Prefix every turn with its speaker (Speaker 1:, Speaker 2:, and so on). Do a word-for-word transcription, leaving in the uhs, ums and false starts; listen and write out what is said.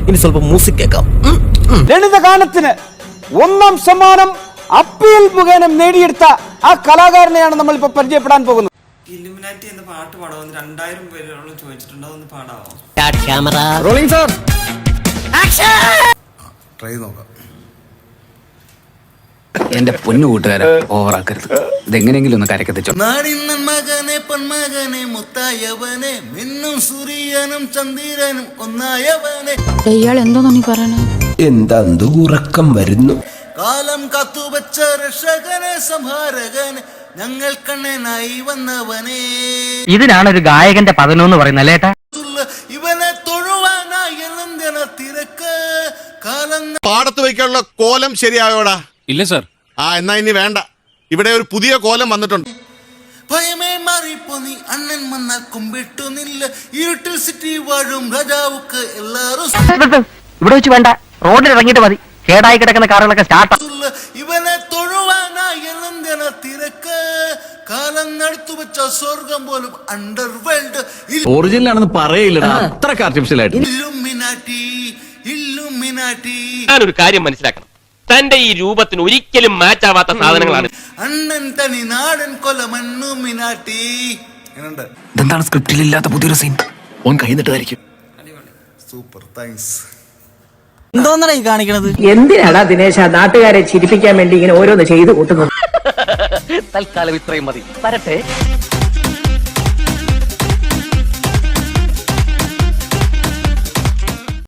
Speaker 1: ഇനി സ്വല്പം മ്യൂസിക് കേൾക്കാം.
Speaker 2: ലളിതഗാനത്തിന് ഒന്നാം സമ്മാനം അപ്പീൽ മുഖേന നേടിയെടുത്ത ആ കലാകാരനെയാണ് നമ്മൾ ഇപ്പൊ പരിചയപ്പെടാൻ പോകുന്നത്.
Speaker 3: ഇല്ലുമിനാറ്റി എന്ന പാട്ട് പാടാമെന്ന് രണ്ടായിരം പേരോളം ചോദിച്ചിട്ടുണ്ട്. അതൊന്ന് പാടാമോ?
Speaker 4: ട്രൈ നോക്കാം.
Speaker 5: എന്റെ പൊന്നു കൂട്ടുകാരെ ഓവറാക്കരുത്. ഇതെങ്ങനെയെങ്കിലും ഒന്ന് കരക്കെത്തിച്ചോ.
Speaker 4: നാടിന്നൻ മകനെ പൊന്മകനെ മുത്തായവനെ മിന്നും സൂര്യനും ചന്ദ്രനും ഒന്നായവനെ.
Speaker 6: ഇയാൾ എന്തോന്നാ നീ പറയണേ?
Speaker 1: എന്താ ഉറക്കം വരുന്നു.
Speaker 4: കാലം കാത്തുവച്ച രക്ഷകനെ സംഹാരകനെ ഞങ്ങൾ കണ്ണനായി വന്നവനെ.
Speaker 7: ഇതിനാണ് ഒരു ഗായകന്റെ പതനമെന്ന് പറയുന്നത് അല്ലേട്ടാ.
Speaker 4: ഇവനെ തൊഴുവാനായി എന്തിന തിരക്ക് കാലം.
Speaker 8: പാടത്ത് വയ്ക്കാനുള്ള കോലം ശരിയായോടാ?
Speaker 9: ഇല്ല സർ.
Speaker 8: ആ എന്നാ ഇനി വേണ്ട. ഇവിടെ ഒരു പുതിയ കോലം വന്നിട്ടുണ്ട്.
Speaker 4: ഭയമേ മാറിപ്പോ നീ അണ്ണൻ വന്നാൽ കുമ്പിട്ടു നില്ല. ഇരുട്ടിൽ സിറ്റി വാഴും രാജാവുക്ക് എല്ലാരും.
Speaker 7: ഇവിടെ വെച്ച് വേണ്ട, റോഡിൽ ഇറങ്ങിയിട്ട് മതി. കേടായി കിടക്കുന്ന കാറുകളൊക്കെ സ്റ്റാർട്ട്.
Speaker 4: ഇവനെ തൊഴുവാനായി എന്തിന തിരക്ക് കാലം നടത്തു വെച്ച സ്വർഗം പോലും അണ്ടർ വേൾഡ്.
Speaker 5: ഒറിജിനൽ ആണെന്ന് പറയില്ലടാ, അത്രക്ക് ആർട്ടിഫിഷ്യൽ ആയിട്ട്.
Speaker 4: Illuminati illuminati.
Speaker 10: ഞാനൊരു കാര്യം മനസ്സിലാക്കണം, തന്റെ ഈ രൂപത്തിന് ഒരിക്കലും മാച്ചാവാത്ത സാധനങ്ങളാണ്
Speaker 4: അണ്ണൻ തനി നാടൻ കൊലമണ്ണുമിനാറ്റി.
Speaker 5: ഇതെന്താണ് സ്ക്രിപ്റ്റിൽ ഇല്ലാത്ത പുതിയൊരു സീൻ? ഓൻ കഴിഞ്ഞിട്ടായിരിക്കും.
Speaker 4: Super, thanks.
Speaker 2: എന്തോന്നാ ഈ കാണിക്കണത്?
Speaker 7: എന്തിനാടാ ദിനേശ നാട്ടുകാരെ ചിരിപ്പിക്കാൻ വേണ്ടി ഇങ്ങനെ ഓരോന്ന് ചെയ്തു കൂട്ടുന്നത്? തൽക്കാലം ഇത്രയും മതി. വരട്ടെ.